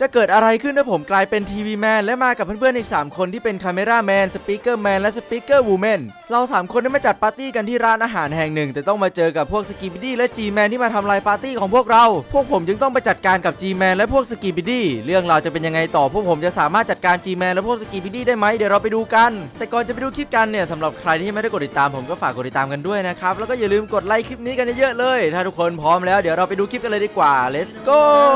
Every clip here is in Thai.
จะเกิดอะไรขึ้นถ้าผมกลายเป็นทีวีแมนและมากับเพื่อนๆอีก3คนที่เป็นคาเมราแมนสปีกเกอร์แมนและสปีกเกอร์วูแมนเรา3คนได้มาจัดปาร์ตี้กันที่ร้านอาหารแห่งหนึ่งแต่ต้องมาเจอกับพวกสกีบิดี้และจีแมนที่มาทำลายปาร์ตี้ของพวกเราพวกผมจึงต้องไปจัดการกับจีแมนและพวกสกีบิดี้เรื่องราวจะเป็นยังไงต่อพวกผมจะสามารถจัดการจีแมนและพวกสกีบิดี้ได้ไหมเดี๋ยวเราไปดูกันแต่ก่อนจะไปดูคลิปกันเนี่ยสำหรับใครที่ยังไม่ได้กดติดตามผมก็ฝากกดติดตามกันด้วยนะครับแล้วก็อย่าลืมกดไลค์คลิปนี้กันเยอะๆเลยถ้าทุกคนพร้อมแล้วเดี๋ยวเราไปดูคลิปกันเลยดีกว่า let's go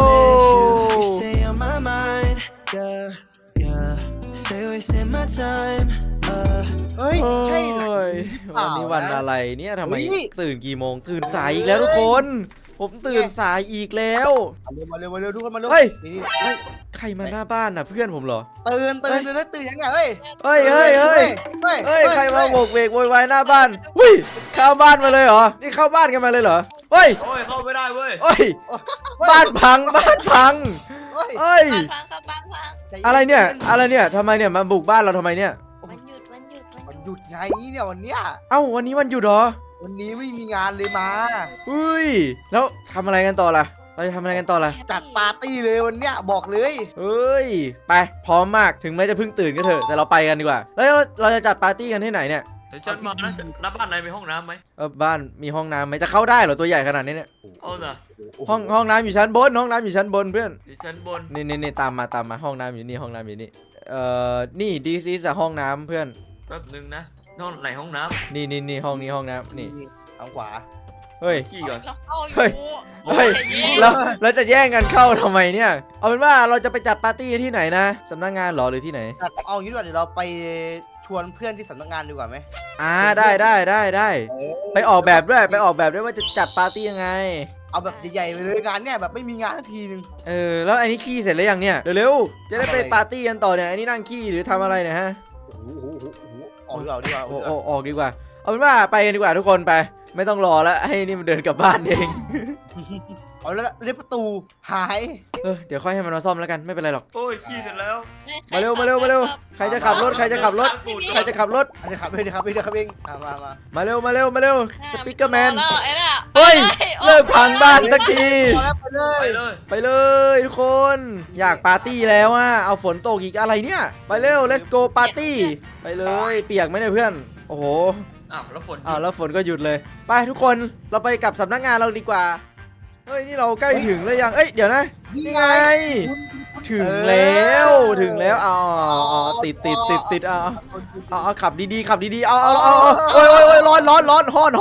เฮ้ยใช่เหรอวันนี้วันอะไรเนี่ยทำไมตื่นกี่โมงตื่นสายอีกแล้วทุกคนผมตื่นสายอีกแล้วมาเร็วทุกคนมาเร็วเฮ้ยนี่ใครมาหน้าบ้านน่ะเพื่อนผมเหรอตื่นยังไงเฮ้ยใครมาโบกเวกโวยวายหน้าบ้านหุ้ยเข้าบ้านมาเลยเหรอนี่เข้าบ้านกันมาเลยเหรอเฮ้ยเข้าไม่ได้เว้ยบ้านพังเฮ้ยอะไรเนี่ยทำไมเนี่ยมาบุกบ้านเราทำไมเนี่ยวันหยุดไงเนี่ยวันเนี้ยเอ้าวันนี้วันหยุดเหรอวันนี้ไม่มีงานเลยมาอุ้ยแล้วทำอะไรกันต่อล่ะเราจะทำอะไรกันต่อล่ะจัดปาร์ตี้เลยวันเนี้ยบอกเลยเฮ้ยไปพร้อมมากถึงแม้จะเพิ่งตื่นก็เถอะแต่เราไปกันดีกว่าแล้วเราจะจัดปาร์ตี้กันที่ไหนเนี่ยเดี๋ยวฉันมานะแล้วบ้านไหนมีห้องน้ำไหมบ้านมีห้องน้ำไหมจะเข้าได้เหรอตัวใหญ่ขนาดนี้เนี่ยเอาน่ะห้องน้ำอยู่ชั้นบนอยู่ชั้นบนเพื่อนอยู่ชั้นบนนี่ตามมาห้องน้ำอยู่นี่นี่ดีซีสห้องน้ำเพื่อนแป๊บนึงนะห้องไหนห้องน้ำนี่ห้องน้ำนี่ทางขวาเฮ้ยขี้ก่อนเฮ้ยเราจะแย่งกันเข้าทำไมเนี่ยเอาเป็นว่าเราจะไปจัดปาร์ตี้ที่ไหนนะสำนักงานหรอหรือที่ไหนเอางี้ดีกว่าเดี๋ยวเราไปชวนเพื่อนที่สำนักงานดีกว่าไหมได้ไปออกแบบด้วยว่าจะจัดปาร์ตี้ยังไงเอาแบบใหญ่ๆไปเลยงานเนี่ยแบบไม่มีงานทีนึงแล้วไอ้นี่ขี้เสร็จแล้วยังเนี่ยเร็วๆจะได้ไปปาร์ตี้กันต่อเนี่ยไอ้นี่นั่งขี้หรือทำอะไรเนี่ยฮะออกดีกว่าออกดีกว่าเอาเป็นว่าไปกันดีกว่าทุกคนไปไม่ต้องรอแล้วให้นี่มันเดินกลับบ้านเองเอาแล้วเล็บประตูหายเดี๋ยวค่อยให้มันมาซ่อมแล้วกันไม่เป็นไรหรอกโอ้ยขี้เสร็จแล้วมาเร็วใครจะขับรถเดี๋ยวขับเองมาเร็วสปีกเกอร์แมนเฮ้ยเลิกพังบ้านสักทีไปเลยทุกคนอยากปาร์ตี้แล้วอ่ะเอาฝนตกอีกอะไรเนี่ยไปเร็ว let's go ปาร์ตี้ไปเลยเปียกไหมเนี่ยเพื่อนโอ้โหแล้วฝนก็หยุดเลยไปทุกคนเราไปกับสำนักงานเราดีกว่าเฮ้ยนี่เราใกล้ถึงแล้วยังเดี๋ยวนะนี่ไงถึงแล้วอ๋อติดเอาขับดีเอาโอ้ยร้อนฮ้อนโอ้ย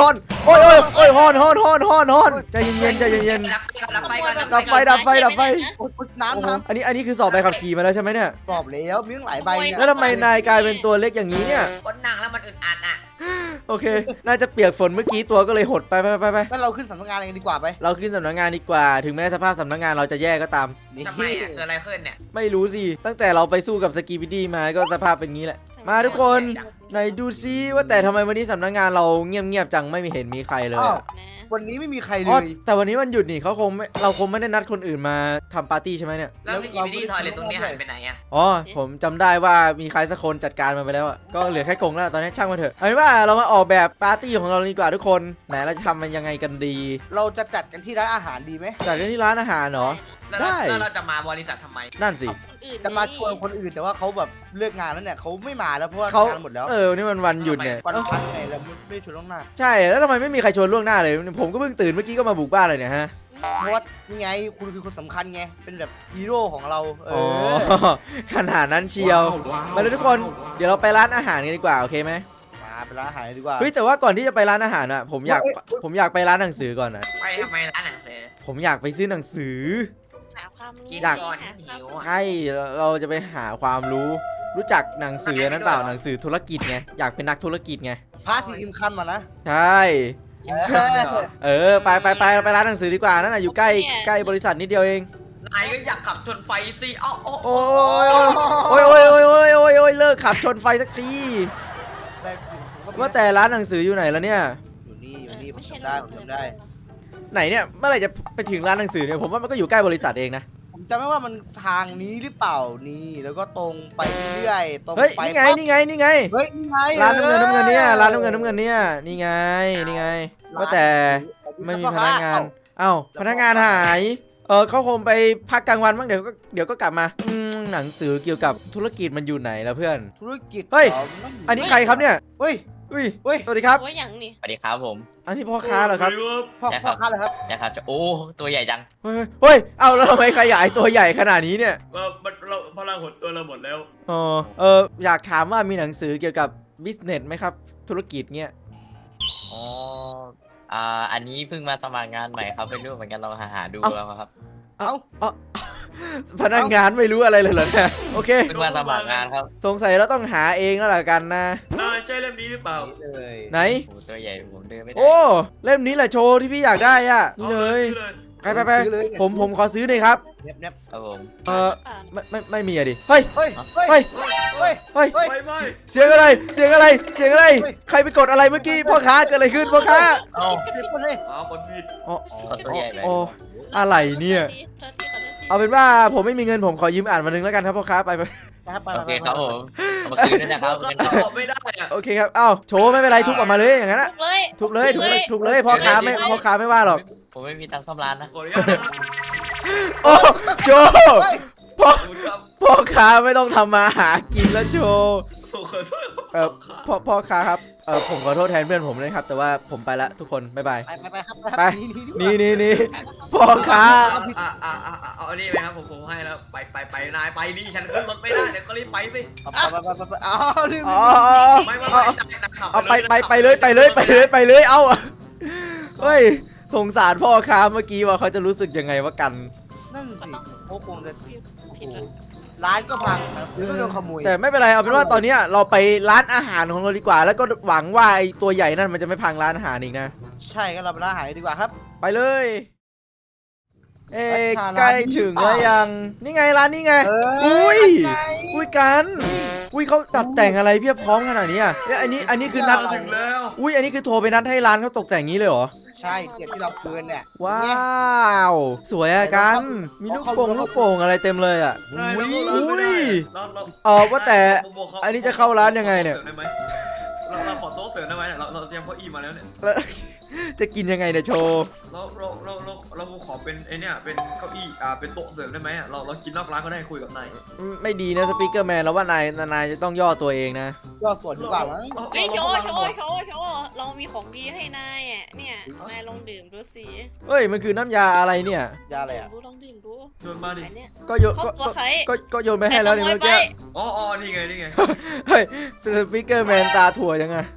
ฮ้อนใจเย็นดับไฟน้ำอันนี้คือสอบใบขับขี่มาแล้วใช่ไหมเนี่ยสอบแล้วมีตั้งหลายใบแล้วทำไมนายกลายเป็นตัวเล็กอย่างนี้เนี่ยคนนั่งแล้วมันอึดอัดอ่ะโอเคน่าจะเปียกฝนเมื่อกี้ตัวก็เลยหดไปงั้นเราขึ้นสำนักงานกันดีกว่าไปเราขึ้นสำนักงานดีกว่าถึงแม้สภาพสำนักงานเราจะแย่ก็ตามทำไมเกิดอะไรขึ้นเนี่ยไม่รู้สิตั้งแต่เราไปสู้กับสกีบิดี้มาก็สภาพเป็นงี้แหละมาทุกคนไหนดูซิว่าแต่ทำไมวันนี้สำนักงานเราเงียบจังไม่มีเห็นมีใครเลยวันนี้ไม่มีใครเลยแต่วันนี้มันหยุดนี่เราคงไม่ได้นัดคนอื่นมาทำปาร์ตี้ใช่ไหมเนี่ยแล้วสกีบิดี้ทอยเลทตรงนี้หายไปไหนอ่ะผมจำได้ว่ามีใครสักคนจัดการมันไปแล้วก็เหลือแค่กงแล้วตอนนี้ช่างมันเถอะเอาเป็นว่าเรามาออกแบบปาร์ตี้ของเราดีกว่าทุกคนไหนเราจะทำมันยังไงกันดีเราจะจัดกันที่ร้านอาหารดีไหมจัดกันที่ร้านอาหารเหรอได้แล้วเราจะมาบริษัททำไมนั่นสิจะมาชวนคนอื่นแต่ว่าเขาแบบเลิกงานแล้วเนี่ยเขาไม่มาแล้วเพราะว่าเขางานหมดแล้วนี่มันวันหยุดเนี่ยวันพักไงเราไม่ชวนล่วงหน้าใช่แล้วทำไมไม่มีใครชวนล่วงหน้าเลยผมก็เพิ่งตื่นเมื่อกี้ก็มาบุกบ้านเลยเนี่ยฮะเพราะว่านี่ไงคุณคือคนสำคัญไงเป็นแบบฮีโร่ของเราขนาดนั้นเชียวมาเลยทุกคนเดี๋ยวเราไปร้านอาหารกันดีกว่าโอเคไหมไปร้านอาหารดีกว่าเฮ้ยแต่ว่าก่อนที่จะไปร้านอาหารอ่ะผมอยากไปร้านหนังสือก่อนนะไปทำไมร้านหนังสือผมอยากไปซื้อหนังสืออยากหิวใช่เราจะไปหาความรู้จักหนังสือนั้นเปล่าหนังสือธุรกิจไงอยากเป็นนักธุรกิจไงพาสีอิมคัมมานะใช่ไปร้านหนังสือดีกว่านั่นน่ะอยู่ใกล้บริษัทนิดเดียวเองนายก็อยากขับชนไฟสิโอ้ยเลิกขับชนไฟสักทีว่าแต่ร้านหนังสืออยู่ไหนแล้วเนี่ยอยู่นี่ผมจำได้ไหนเนี่ยเมื่อไหร่จะไปถึงร้านหนังสือเนี่ยผมว่ามันก็อยู่ใกล้บริษัทเองนะผมจำไม่ว่ามันทางนี้หรือเปล่านี่แล้วก็ตรงไปเรื่อยตรงไปนี่ไงเฮ้ยนี่ไงร้านน้ำเงินเนี่ยร้านน้ำเงินเนี่ยนี่ไงว่าแต่ไม่มีพนักงานพนักงานหายเขาคงไปพักกลางวันบ้างเดี๋ยวก็กลับมาหนังสือเกี่ยวกับธุรกิจมันอยู่ไหนแล้วเพื่อนธุรกิจเฮ้ยหรอันนี้ใครครับเนี่ยเฮ้ยอุ้ยเฮ้ยสวัสดีครับว่าอย่างนี้สวัสดีครับผมอันนี้พ่อค้าเหรอครับพ่อค้าเหรอครับนะครับโอ้ตัวใหญ่จังเฮ้ยเอาแล้วทำไมขยายตัวใหญ่ขนาดนี้เนี่ยเราพลังหดตัวเราหมดแล้วอยากถามว่ามีหนังสือเกี่ยวกับบิสเนสไหมครับธุรกิจเงี้ยอ๋ออันนี้เพิ่งมาสมัครงานใหม่ครับไม่รู้เหมือนกันเราหาดูแล้วครับเอ้าพนักงานไม่รู้อะไรเลยเหรอเนี่ยโอเคเพิ่งมาสมัครงานครับสงสัยเราต้องหาเองแล้วล่ะกันนะใช่เล่มนี้หรือเปล่านี่เลยไหนโอ้ตัวใหญ่ผมเดินไม่ได้โอ้เล่มนี้แหละโชว์ที่พี่อยากได้อ่ะนี่เลย ไปซื้อเลยผมขอซื้อหน่อยครับเน็บครับผมไม่มีอะดิเฮ้ยเฮ้ยเฮ้ยเฮ้ยเฮ้ยเฮ้ยไม่เสียงอะไรเสียงอะไรเสียงอะไรเฮ้ยใครไปกดอะไรเมื่อกี้พ่อค้าเกิดอะไรขึ้นพ่อค้าเอ้าเดี๋ยวก่อนเลยคนผิดอ๋อขอตัวใหญ่ไปโอ้อะไรเนี่ยเอาเป็นว่าผมไม่มีเงินผมขอยืมอ่านมานึงแล้วกันครับพ่อค้าไปนะครับไปโอเคไปครับผมเอามาคืนด้วยนะครับเงินเขาทองบอกไม่ได้อะโอเคครับเอ้าโชว์ไม่เป็นไรทุบออกมาเลยอย่างนั้นอะทุบเลยทุบเลยพ่อค้าไม่ว่าหรอกผมไม่มีตังค์ซ่อมร้านนะขออนุญาตนะครับโอ้โชว์เฮ้ยพ่อขอบคุณครับพ่อค้าไม่ต้องทำมาหากินแล้วโชว์ขอโทษครับพ่อค้าครับผมขอโทษแทนเพื่อนผมเลยครับแต่ว่าผมไปละทุกคนบ๊ายบายไปครับไปนี่นี่พ่อค้าเอาอันนี้ไหมครับผมให้แล้วไปนายไปนี่ฉันขึ้นรถไม่ได้เดี๋ยวก็รีบไปสิไปอ๋อลืมอ๋อไม่นะขับเอาไปเลยเอาเฮ้ยสงสารพ่อค้าเมื่อกี้ว่าเขาจะรู้สึกยังไงว่ากันนั่นสิโอ้คงจะผิดเลยร้านก็พังหนังสือก็โดนขโมยแต่ไม่เป็นไรเอาเป็นว่าตอนเนี้ยเราไปร้านอาหารของเราดีกว่า แล้วก็หวังว่าไอ้ตัวใหญ่นั่นมันจะไม่พังร้านอาหารอีกนะใช่ก็เราไปร้านอาหารดีกว่าครับไปเลยเอ๊ะร้านใกล้ถึงแล้วยังนี่ไงร้านนี่ไง อุ้ย อุ้ยกันอุ้ยเขาตัดแต่งอะไรเพียบพร้อมขนาดนี้อ่ะเนี่ยอันนี้คือนัดถึงแล้วอุ้ยอันนี้คือโทรไปนัดให้ร้านเขาตกแต่งงี้เลยเหรอใช่เกียรที่เราคืนเนี่ยว้าวสวยอะกันมีลูกโป่งอะไรเต็มเลยอ่ะ ว่าแต่อันนี้จะเข้าร้านยังไงเนี่ยเราขอโต๊ะเสริมได้ไหมเราเตรียมเก้าอี้มาแล้วเนี่ยแล้วจะกินยังไงเนี่ยโชว์เราขอเป็นไอเนี่ยเป็นเก้าอี้เป็นโต๊ะเสริมได้ไหมเรากินนอกร้านก็ได้คุยกับนายไม่ดีนะสปีกเกอร์แมนแล้วว่านายจะต้องย่อตัวเองนะก็ส่วนดีกว่ามั้งเฮ้ยโชว์เรามีของดีให้นายอ่ะเนี่ยนายลองดื่มดูสิเฮ้ยมันคือน้ำยาอะไรเนี่ยยาอะไรอ่ะลองดื่มดูโยนมาดิอันเนี้ยก็โยนเขาตัวใครก็โยนไปให้แล้วนี่เมื่อกี้อ๋อนี่ไงเฮ้ยสปีกเกอร์แมนตาถั่วยังไง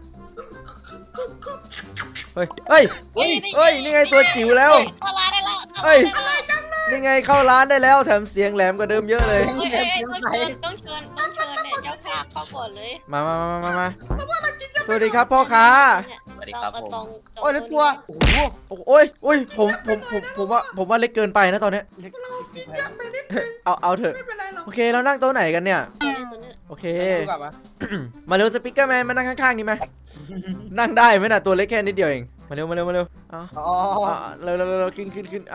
เฮ้ยนี่ไงตัวจิ๋วแล้วเข้าร้านได้แล้วเฮ้ย นี่ไงเข้าร้านได้แล้วแถมเสียงแหลมกว่าเดิมเยอะเลยต้องเชิญเนี่ยเจ้าภาพเข้าก่อนเลยมาสวัสดีครับพ่อค้าสวัสดีครับผมโอ้ยแล้วตัวโอ้โหโอ้ยผมว่าเล็กเกินไปนะตอนเนี้ยเล็กเอาเถอะไม่เป็นไรหรอกโอเคเรานั่งโต๊ะไหนกันเนี่ยโอเคดีกว่ามั้ยมาเร็วสปีกเกอร์แมนมานั่งข้างๆนี่ไหม นั่งได้ไหมน่ะตัวเล็กแค่นิดเดียวเองมาเร็วเอาอ๋อเร็วขึ้น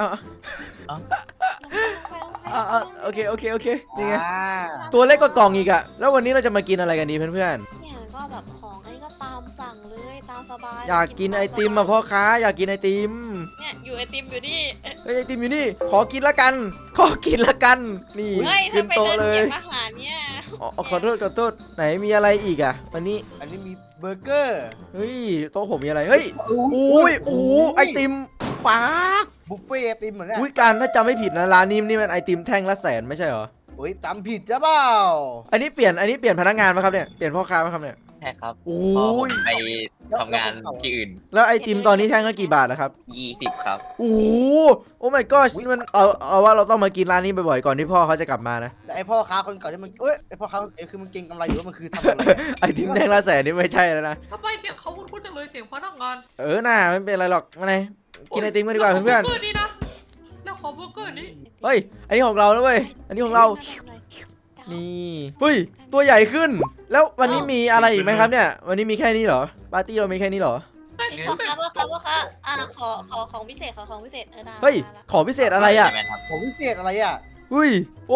โอเคนี่ไงตัวเล็กกว่ากล่องอีกอะแล้ววันนี้เราจะมากินอะไรกันดีเพื่อนเนี่ยก็แบบของอันนี้ก็ตามสั่งเลยตามสบายๆอยากกินไอติมอะพ่อค้าอยากกินไอติมเนี่ยอยู่ไอติมอยู่นี่เฮ้ยไอติมอยู่นี่ขอกินละกันนี่เฮ้ยขึ้ถ้าน ไปโต๊ะเดินเลเก็ยบอาหารเนี่ยขอโทษไหนมีอะไรอีกอะวันนี้อันนี้มีเบอร์เกอร์เฮ้ยโต๊ะผมมีอะไรเฮ้ยไอติมปากบุฟเฟ่ไอติมเหมือนเนี่ยอุ้ยการถ้าจำไม่ผิดนะร้านนี้นี่มันไอติมแท่งละ100,000ไม่ใช่เหรอโอ้ยจำผิดจ้ะเปล่าอันนี้เปลี่ยนพนักงานไหมครับเนี่ยเปลี่ยนพ่อค้าไหมครับเนี่ยใช่ครับโอ้พอผมยไปทำงานที่อื่นแล้วไอติมตอนนี้แท่งละกี่บาทนะครับ 20ครับโอ้my god มันเอาว่าเราต้องมากินร้านนี้บ่อยๆก่อนที่พ่อเขาจะกลับมานะแต่ไอพ่อค้าคนเก่าที่มันไอพ่อค้าคือมันเก่งกำไรอยู่ว่ามันคือทำอะไรไอติมแท่งละ100,000นี่ไม่ใช่แล้วนะทำไมเสียงเขาคุ้นๆจังเลยเสียงพนักงานน่าไม่เป็นไรหรอกมาไหนกินไอติมกันดีกว่าเพื่อนเบอร์นี้นะแล้วขอเบอร์เกอร์นี้ๆเฮ้ยอันนี้ของเราแล้วเว้ยอันนี้ของเรานี่เฮ้ยตัวใหญ่ขึ้น แล้ววันนี้มีอะไรอีกไหมครับเนี่ยวันนี้มีแค่นี้เหรอปาร์ตี้เรามีแค่นี้เหรอพ่อค้าขอของพิเศษได้เฮ้ยของพิเศษอะไรอ่ะใช่ไหมครับผมพิเศษอะไรอ่ะอุ้ยโอ้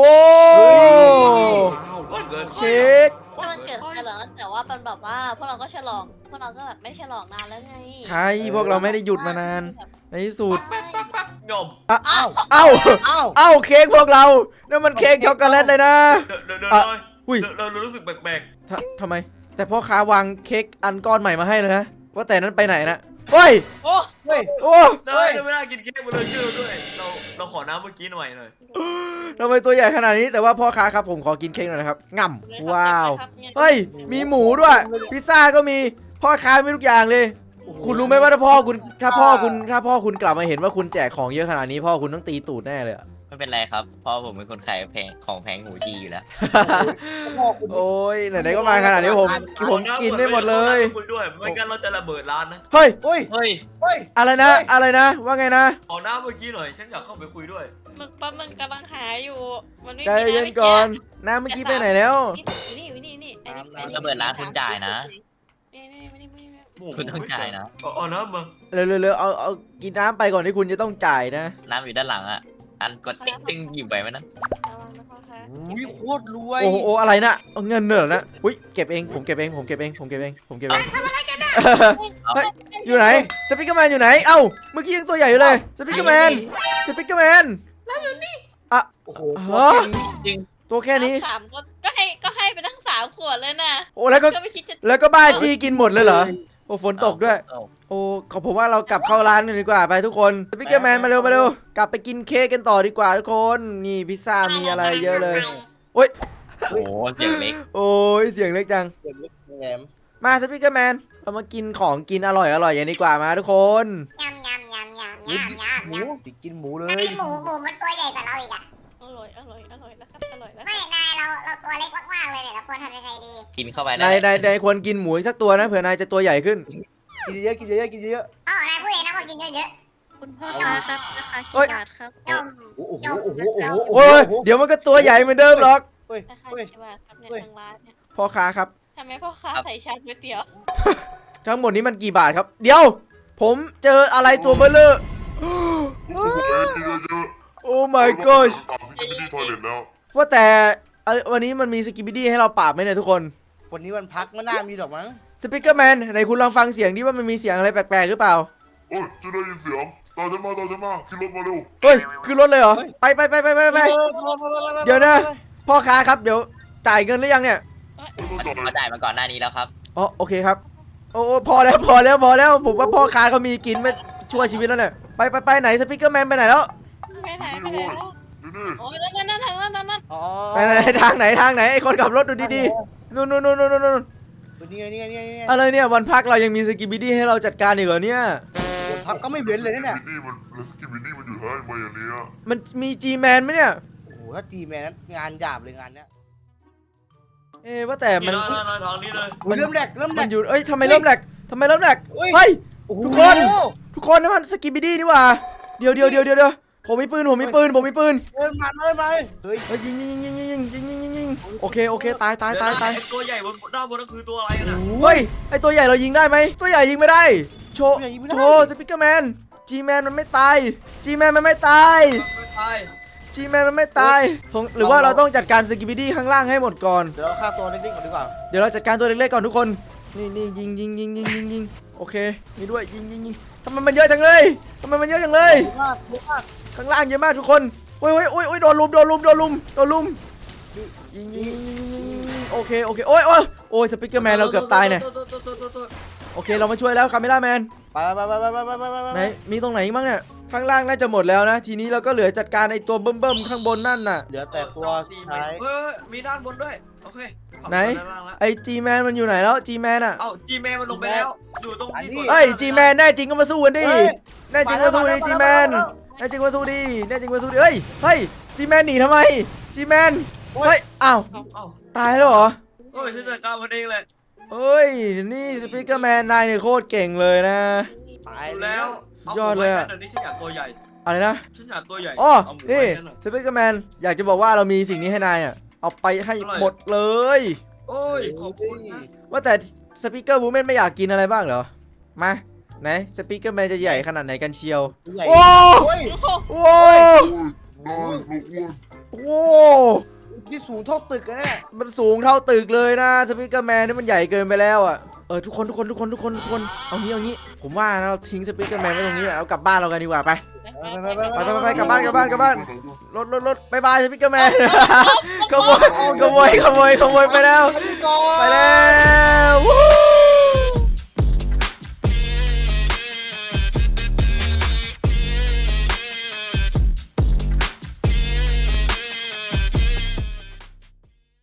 วันเกิดเค้กถ้ามันเกิดกันเหรอแต่ว่าเป็นแบบว่าพวกเราก็ฉลองพวกเราก็แบบไม่ฉลองนานแล้วไงใช่พวกเราไม่ได้หยุดมานาน ในที่สุดแป๊บงอมอ่ะอ้าวเอ้าอ้าวเอ้าเค้กพวกเรานั่นมันเค้กช็อกโกแลตเลยนะเดี๋ยวอ่ะอุ้ยเรารู้สึกแปลกทำไม แต่พ่อค้าวางเค้กอันก้อนใหม่มาให้เลยนะว่าแต่นั้นไปไหนนะเฮ้ยโอ้เฮ้ยโอ้ๆได้ไม่น่ากินเค้กมาเลยเชื่อด้วยเราขอน้ำเมื่อกี้หน่อยทำไมตัวใหญ่ขนาดนี้แต่ว่าพ่อค้าครับผมขอกินเค้กหน่อยนะครับง่ำว้าวเฮ้ยมีหมูด้วยพิซซ่าก็มีพ่อค้ามีทุกอย่างเลย คุณรู้ไหมว่าถ้าพ่อคุณกลับมาเห็นว่าคุณแจกของเยอะขนาดนี้พ่อคุณต้องตีตูดแน่เลยอะไม่เป็นไรครับเพราะผมเป็นคนขายแพงของแพงหูจีอยู่แล้วพ่อคุณโอ้ยไหนๆก็มาขนาดนี้ผมกินได้หมดเลยคุยด้วยไม่งั้นเราจะระเบิดร้านนะเฮ้ยเฮ้ยเฮ้ยเฮ้ยอะไรนะอะไรนะว่าไงนะขอน้ำเมื่อกี้หน่อยฉันอยากเข้าไปคุยด้วยมึงแป๊บมึงกำลังหาอยู่มันไม่ใจมีเย็นก่อนน้ำเมื่อกี้ไปไหนแล้วนี่ไอ้นี่ระเบิดร้านคุณจ่ายนะนี่คุณต้องจ่ายนะเอาน้ำมาเร็วๆเอากินน้ำไปก่อนที่คุณจะต้องจ่ายนะน้ำอยู่ด้านหลังอ่ะอันกดติ๊งติ๊งหยิบไปไหมนะระวังนะพ่อคะอุ้ยโคตรรวยโอ้โหอะไรนะเอาเงินเหรอนะอุ้ยเก็บเองผมเก็บเองเฮ้ยอยู่ไหนสปิกเกอร์แมนอยู่ไหนเอ้าเมื่อกี้ยังตัวใหญ่อยู่เลยสปิกเกอร์แมนโอ้โหฮะจริงตัวแค่นี้สามก็ให้ไปทั้ง3 ขวดเลยนะโอ้แล้วก็ไม่คิดจะแล้วก็บ้าจี้กินหมดเลยเหรอโอ้ฝนตกด้วย โอ้ขอผมว่าเรากลับเข้าร้านกันดีกว่าไปทุกคนสปิกเกอร์แมนมาเร็วกลับไปกินเค้กกันต่อดีกว่าทุกคนนี่พิซซ่ามีอะไรเยอะเลยโอ้ยโอ้โหเสียงเล็กโอ้ยเสียงเล็กจังเด็กเล็กแหลมมาสปิกเกอร์แมนเรามากินของกินอร่อยอย่างนี้ดีกว่ามาทุกคนยำหมูติดกินหมูเลอันยนี้หมูมันตัวใหญ่กว่าเราอีกอะอร่อยแล้วครับอร่อยแล้วไม่นายเราตัวเล็กมากๆเลยเนี่ยเราควรทำยังไงดีกินเข้าไปนายควรกินหมูอีกสักตัวนะเผื่อนายจะตัวใหญ่ขึ้นกินเยอะกินเยอะกินเยอะอ๋อนายพูดเองนะว่ากินเยอะคุณพ่อคะครับราคาเฮ้ยกี่บาทครับๆนมโอ้โหโอ้โหโอ้โหโอ้ยเดี๋ยวมันก็ตัวใหญ่เหมือนเดิมหรอกเฮ้ยราคาเฮ้ยกี่บาทครับเนี่ยเฮ้ยทางร้านเนี่ยพ่อค้าครับทำไมพ่อค้าใส่ชามก๋วยเตี๋ยวทั้งหมดนี้มันกี่บาทครับ เดี๋ยว ผมเจออะไรตัวเบลเลอร์โอ้ my gosh ที่ไม่ได้ทอยเลทแล้วว่าแต่วันนี้มันมีสกิปปี้ดี้ให้เราปราบไหมเนี่ยทุกคนวันนี้วันพักไม่น่ามีหรอกมั้งสปิกเกอร์แมนไหนคุณลองฟังเสียงดิว่ามันมีเสียงอะไรแปลกๆหรือเปล่าโอ้ยจะได้ยินเสียงตามฉันมาขึ้นรถมาเร็วเฮ้ยคือรถเลยเหรอไปเดี๋ยวนะพ่อค้าครับเดี๋ยวจ่ายเงินหรือยังเนี่ยมาจ่ายมาก่อนหน้านี้แล้วครับอ๋อโอเคครับโอ้พอแล้วผมว่าพ่อค้าเขามีกินไม่ช่วยชีวิตแล้วเนี่ยไปไหนสปิกเกอร์แมนไปไหนแล้วไปไหนแล้วนี่โอ้ยนั่นทางนั้นอ๋อไปไหนทางไหนไอ้คนขับรถดูดีๆนู่นนี่ไงอะไรเนี่ยวันพักเรายังมีสกิปปี้ดี้ให้เราจัดการอีกเหรอเนี่ยวันพักก็ไม่เว้นเลยนะเนี่ยนี่มันแล้วสกิบินี่มันอยู่ท้ายมาอย่างเนี้ยมันมีจีแมนไหมเนี่ยโอ้โหถ้าตีแมนนั้นงานหยาบเลยงานเนี้ยว่าแต่มันทางนี้เลยเริ่มแรกมันอยู่เอ้ยทำไมเริ่มแหลกเฮ้ย ทุกคนนั่นมันสกิปปี้ดี้นี่หว่าเดี๋ยวผมมีปืนเดินมาเฮ้ยเฮ้ยยิงโอเคตายตัวใหญ่บนด้านบนนั่นคือตัวอะไรกันอ่ะเฮ้ยไอตัวใหญ่เรายิงได้ไหมตัวใหญ่ยิงไม่ได้โชว์สปิกเกอร์แมนจีแมนมันไม่ตายจีแมนมันไม่ตายตายจีแมนมันไม่ตายหรือว่าเราต้องจัดการสกิปปี้ดี้ข้างล่างให้หมดก่อนเดี๋ยวเราฆ่าตัวเล็กๆก่อนดีกว่าเดี๋ยวเราจัดการตัวเล็กๆก่อนทุกคนนี่ยิงโอเคนี่ด้วยยิงทำไมมันเยอะจังเลยข้างล่างเยอะมากทุกคนโอ้ยโดนลุมยิงโอเคโอ้ยสปิกเกอร์แมนเราเกือบตายเนี่ยโอเคเรามาช่วยแล้วคาเมล่าแมนไปไหนมีตรงไหนบ้างเนี่ยข้างล่างน่าจะหมดแล้วนะทีนี้เราก็เหลือจัดการไอตัวเบิ่มข้างบนนั่นน่ะเหลือแต่ตัวสุดท้ายมีด้านบนด้วยโอเคไหนไอจีแมนมันอยู่ไหนแล้วจีแมนอ่ะเอ้าจีแมนมันลงไปแล้วอยู่ตรงที่เฮ้ยจีแมนแน่จริงก็มาสู้กันดิแน่จริงมาสู้ดิจีแมนแน่จริงมาสู้ดิเฮ้ยจีแมนหนีทำไมจีแมนเฮ้ยอ้าวเอ้าตายแล้วเหรอโอ้ยฉันจัดการมันเองเลยเฮ้ยนี่สปิกเกอร์แมนนายเนี่ยโคตรเก่งเลยนะตายดูแล้แล้ว วยอดเลยอะเดี๋ยวนี้ฉันอยากตัวใหญ่อะไรนะฉันอยากตัวใหญ่อ๋อเอาหมูนี่ไว้นั่นน่ะสปิกเกอร์แมนอยากจะบอกว่าเรามีสิ่งนี้ให้นายอ่ะเอาไปให้หมดเลยโอ้ยขอบคุณนะว่าแต่สปีกเกอร์บูแมนไม่อยากกินอะไรบ้างเหรอ มาไหนสปีกเกอร์แมนจะใหญ่ขนาดไหนกันเชียว โอ้โอ้ยโอ้นายลูกอ้วนโอ้นี่สูงเท่าตึกนะเนี่ยมันสูงเท่าตึกเลยนะสปีกเกอร์แมนนี่มันใหญ่เกินไปแล้วอ่ะทุกคนเอางี้ผมว่านะเราทิ้งสปีกเกอร์แมนไว้ตรงนี้แหละเรากลับบ้านเรากันดีกว่าไปไปกลับบ้านรถบายบายสปีกเกอร์แมนขโมยไปแล้วไปแล้